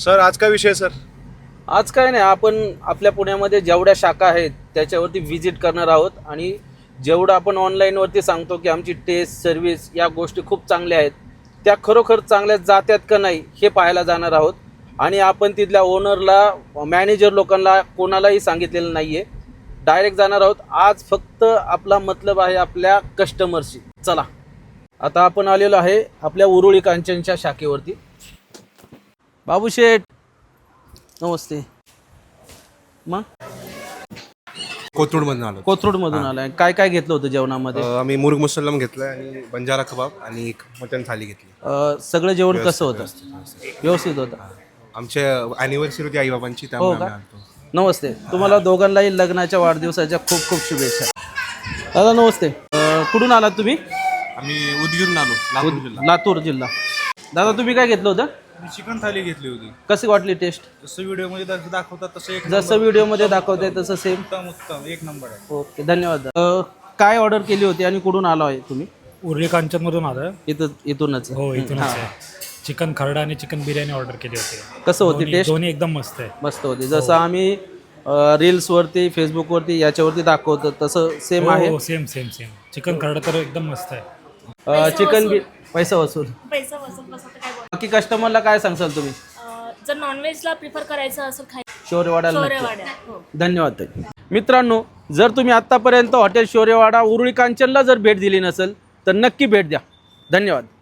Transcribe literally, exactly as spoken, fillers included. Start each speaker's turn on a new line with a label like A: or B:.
A: Sir आज काय विषय सर?
B: आज काय नाही, आपण आपल्या पुण्यामध्ये जेवढ्या शाखा आहेत त्याच्यावरती व्हिजिट करणार आहोत आणि जेवढं आपण ऑनलाईनवरती सांगतो की आमची टेस्ट सर्व्हिस या गोष्टी खूप चांगल्या आहेत, त्या खरोखर चांगल्या जात्यात का नाही हे पाहायला जाणार आहोत. आणि आपण तिथल्या ओनरला, मॅनेजर लोकांना कोणालाही सांगितलेलं नाही आहे, डायरेक्ट जाणार आहोत. आज फक्त आपला मतलब आहे आपल्या कस्टमरशी. चला, आता आपण आलेलो आहे आपल्या उरुळी कांचनच्या शाखेवरती. बाबू शेठ नमस्ते. मग
A: कोथरूडमधून आलो.
B: कोथरूडमधून आलाय, काय काय घेतलं होतं जेवणामध्ये?
A: अं, आम्ही मुर्ग मुसल्लम घेतलाय आणि बंजारा कबाब आणि एक मटन थाली घेतली.
B: अ, सगळं जेवण कसं होतं? व्यवस्थित होतं.
A: आमच्या अॅनिव्हर्सरी होती आईबाबांची,
B: हो
A: त्यामुळे
B: का?
A: आम्ही आलतो.
B: नमस्ते, तुम्हाला दोघांनाही लग्नाच्या वाढदिवसाच्या खूप खूप शुभेच्छा. दादा नमस्ते. अ, कुठून आलात तुम्ही?
C: आम्ही उदगीरून आलो, लातूर जिल्हा.
B: लातूर जिल्हा. दादा तुम्ही काय घेतलं होतं?
C: मी चिकन थाली घेतली होती.
B: कशी वाटली टेस्ट?
C: जसं व्हिडिओमध्ये दाख- दाखवतात तसं एक
B: जसं व्हिडिओमध्ये दाखवते तसं सेम?
C: उत्तम उत्तम एक नंबर आहे.
B: ओके, धन्यवाद. अ, काय ऑर्डर केली होती आणि कुठून आलो आहे तुम्ही?
D: उर्ली कांचनमधून आलं.
B: इथं इथूनच?
D: हो इथूनच
B: हां.
D: आहे. चिकन खरडा आणि चिकन बिर्याणी ऑर्डर केली होती.
B: कसं होती
D: दोन्ही-
B: टेस्ट?
D: दोन्ही एकदम मस्त आहे.
B: मस्त होती. जसं आम्ही रील्सवरती, फेसबुकवरती याच्यावरती दाखवतो तसं सेम आहे?
D: हो सेम सेम सेम. चिकन खरडा तर एकदम मस्त आहे.
B: अ, चिकन बी पैसा वसूल.
E: पैसा वसूल बस आता काय बोल.
B: बाकी कस्टमरला काय सांगसाल तुम्ही?
E: अं, जर नॉनव्हेजला प्रिफर करायचं असेल खाय
B: शौर्यवाड्याला नक्की.
E: शौर्यवाड्या हो.
B: धन्यवाद ताई. मित्रांनो, जर तुम्ही आत्तापर्यंत हॉटेल शौर्यवाडा उरुळी कांचनला जर भेट दिली नसेल तर नक्की भेट द्या. धन्यवाद.